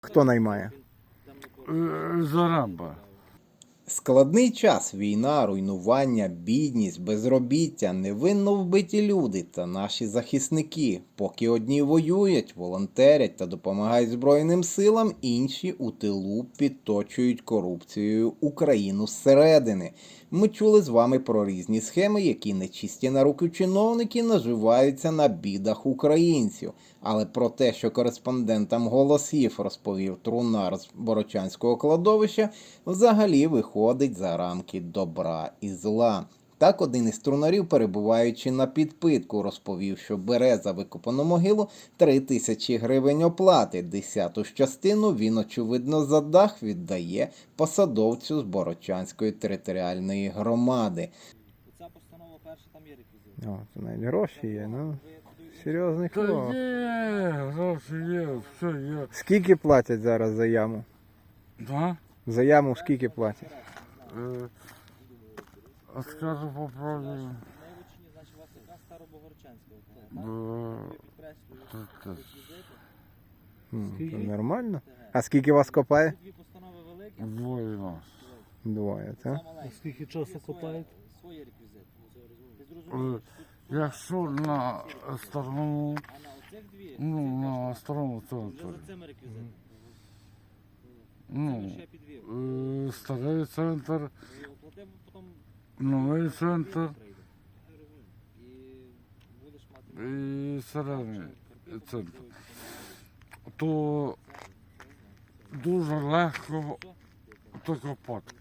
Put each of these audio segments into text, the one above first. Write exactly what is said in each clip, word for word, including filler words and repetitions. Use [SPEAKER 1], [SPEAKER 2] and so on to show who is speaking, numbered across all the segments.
[SPEAKER 1] Хто наймає?
[SPEAKER 2] Зарамба.
[SPEAKER 3] Складний час, війна, руйнування, бідність, безробіття, невинно вбиті люди та наші захисники. Поки одні воюють, волонтерять та допомагають Збройним силам, інші у тилу підточують корупцією Україну зсередини. Ми чули з вами про різні схеми, які нечисті на руки чиновники наживаються на бідах українців. Але про те, що кореспондентам «Голосів» розповів трунар з Борочанського кладовища, взагалі виходить за рамки добра і зла. Так один із трунарів, перебуваючи на підпитку, розповів, що бере за викопану могилу три тисячі гривень оплати. Десяту ж частину він, очевидно, за дах віддає посадовцю з Борочанської територіальної громади.
[SPEAKER 4] Ця постанова перша, там є реквізит.
[SPEAKER 1] О, це навіть гроші є, ну. Серйозний
[SPEAKER 2] Та
[SPEAKER 1] хлоп.
[SPEAKER 2] є, гроші є, все є.
[SPEAKER 1] Скільки платять зараз за яму?
[SPEAKER 2] Да?
[SPEAKER 1] За яму скільки платять?
[SPEAKER 2] Е, а скажу по правді.
[SPEAKER 4] Найвичні, значить, у вас яка Старобогорчанська, так?
[SPEAKER 2] е,
[SPEAKER 4] Підкреслюю,
[SPEAKER 2] так, так.
[SPEAKER 4] реквізити.
[SPEAKER 1] М, то нормально. А скільки вас копає?
[SPEAKER 4] Дві постанови великі,
[SPEAKER 2] Двоє нас.
[SPEAKER 1] Двоє, так?
[SPEAKER 4] сама маленька.
[SPEAKER 5] Скільки часу
[SPEAKER 4] Є
[SPEAKER 5] копають?
[SPEAKER 4] Свої реквізити. Ти
[SPEAKER 2] Е,
[SPEAKER 4] зрозумієш? Тут-
[SPEAKER 2] Якщо на старому,
[SPEAKER 4] А на оцих дві,
[SPEAKER 2] ну, на старому
[SPEAKER 4] вже
[SPEAKER 2] центрі,
[SPEAKER 4] за цими реквізитами. Це
[SPEAKER 2] ну,
[SPEAKER 4] ще підвів.
[SPEAKER 2] е, старий центр,
[SPEAKER 4] І оплатив, потім
[SPEAKER 2] новий центр
[SPEAKER 4] прийде. І будеш мати...
[SPEAKER 2] і середній центр, то дуже легко то копати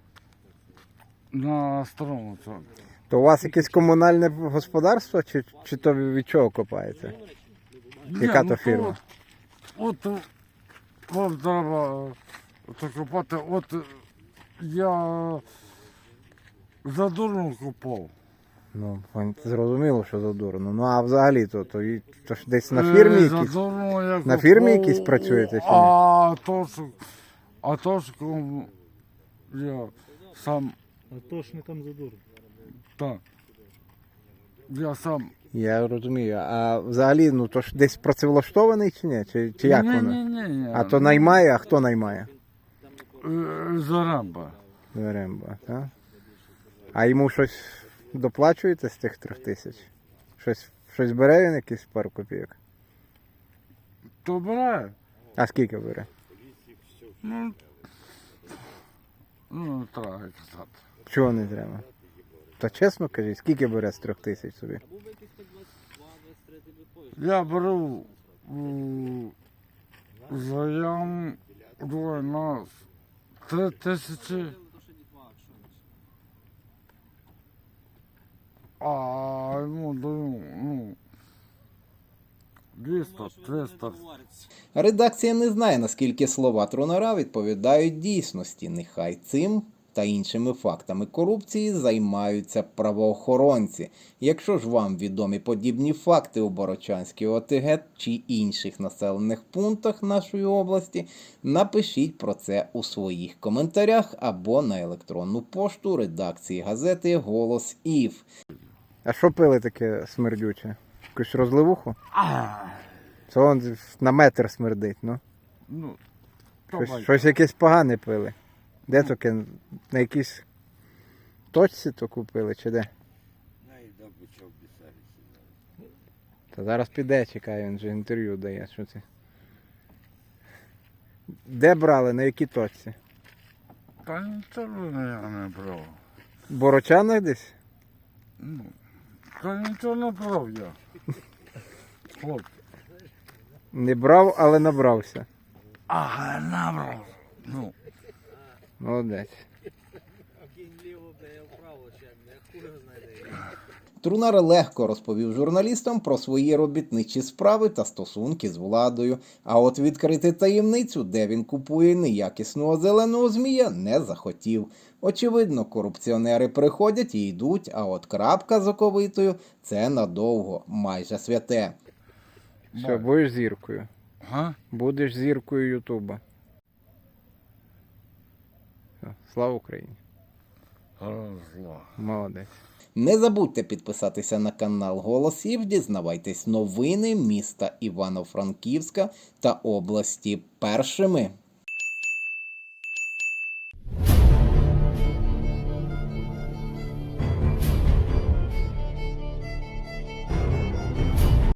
[SPEAKER 2] на старому центрі.
[SPEAKER 1] То у вас якесь комунальне господарство, чи, чи то ви від чого копаєте? Яка
[SPEAKER 2] Ні,
[SPEAKER 1] то
[SPEAKER 2] ну,
[SPEAKER 1] фірма?
[SPEAKER 2] От, от вам треба то копати. От я задурно копав.
[SPEAKER 1] Ну, пон- зрозуміло, що задурно. Ну, а взагалі то, то, і- то ж десь на фірмі
[SPEAKER 2] Е,
[SPEAKER 1] якісь?
[SPEAKER 2] задурно я
[SPEAKER 1] На фірмі
[SPEAKER 2] копав,
[SPEAKER 1] якісь працюєте чи ні?
[SPEAKER 2] А то, що, а то, що я сам,
[SPEAKER 5] Атошникам задурно.
[SPEAKER 2] так, я сам.
[SPEAKER 1] Я розумію. А взагалі, ну то ж десь працевлаштований чи ні? Чи, чи як
[SPEAKER 2] ні,
[SPEAKER 1] воно?
[SPEAKER 2] ні, ні, ні.
[SPEAKER 1] А то наймає, а хто наймає?
[SPEAKER 2] Е, Зарамба.
[SPEAKER 1] Веремба, так? А йому щось доплачуєте з тих трьох тисяч? Щось, щось бере він якісь пару копійок?
[SPEAKER 2] То бере.
[SPEAKER 1] А скільки бере?
[SPEAKER 2] Ну, ну, не треба казати.
[SPEAKER 1] Чого не треба? Та чесно кажіть, скільки бере з трьох тисяч собі?
[SPEAKER 4] Був би якийсь так двадцять два двадцять три ти би поїзд.
[SPEAKER 2] Я беру м, заям двоє нас три тисячі,
[SPEAKER 4] То ще дітва, якщо не ще.
[SPEAKER 2] а йому даю, ну, двісті, триста.
[SPEAKER 4] Говориться.
[SPEAKER 3] Редакція не знає, наскільки слова трунара відповідають дійсності. Нехай цим та іншими фактами корупції займаються правоохоронці. Якщо ж вам відомі подібні факти у Борочанській ОТГ чи інших населених пунктах нашої області, напишіть про це у своїх коментарях або на електронну пошту редакції газети «Голос ІФ».
[SPEAKER 1] А що пили таке смердюче? Якусь розливуху?
[SPEAKER 2] А,
[SPEAKER 1] Це он на метр смердить, ну.
[SPEAKER 2] ну,
[SPEAKER 1] Щось,
[SPEAKER 2] давай.
[SPEAKER 1] щось якесь погане пили. Де таке? На якійсь точці то купили, чи де? Та зараз піде, чекає, він же інтерв'ю дає. Що це? Де брали, на якій точці?
[SPEAKER 2] Та нічого я не брав.
[SPEAKER 1] В Борочанах десь?
[SPEAKER 2] Ну, та нічого не брав я. Хлопці.
[SPEAKER 1] Не брав, але набрався.
[SPEAKER 2] А, набрав. Ну,
[SPEAKER 1] Молодець.
[SPEAKER 4] Кінь ліво, бля, я вправо, ще, я хуй його знайде.
[SPEAKER 3] Трунар легко розповів журналістам про свої робітничі справи та стосунки з владою, а от відкрити таємницю, де він купує неякісного зеленого змія, не захотів. Очевидно, корупціонери приходять і йдуть, а от крапка з оковитою – це надовго, майже святе.
[SPEAKER 1] Все, будеш зіркою.
[SPEAKER 2] га?
[SPEAKER 1] Будеш зіркою Ютуба. Все, слава Україні.
[SPEAKER 2] Розла.
[SPEAKER 1] Молодець.
[SPEAKER 3] Не забудьте підписатися на канал Голосів, дізнавайтесь новини міста Івано-Франківська та області першими.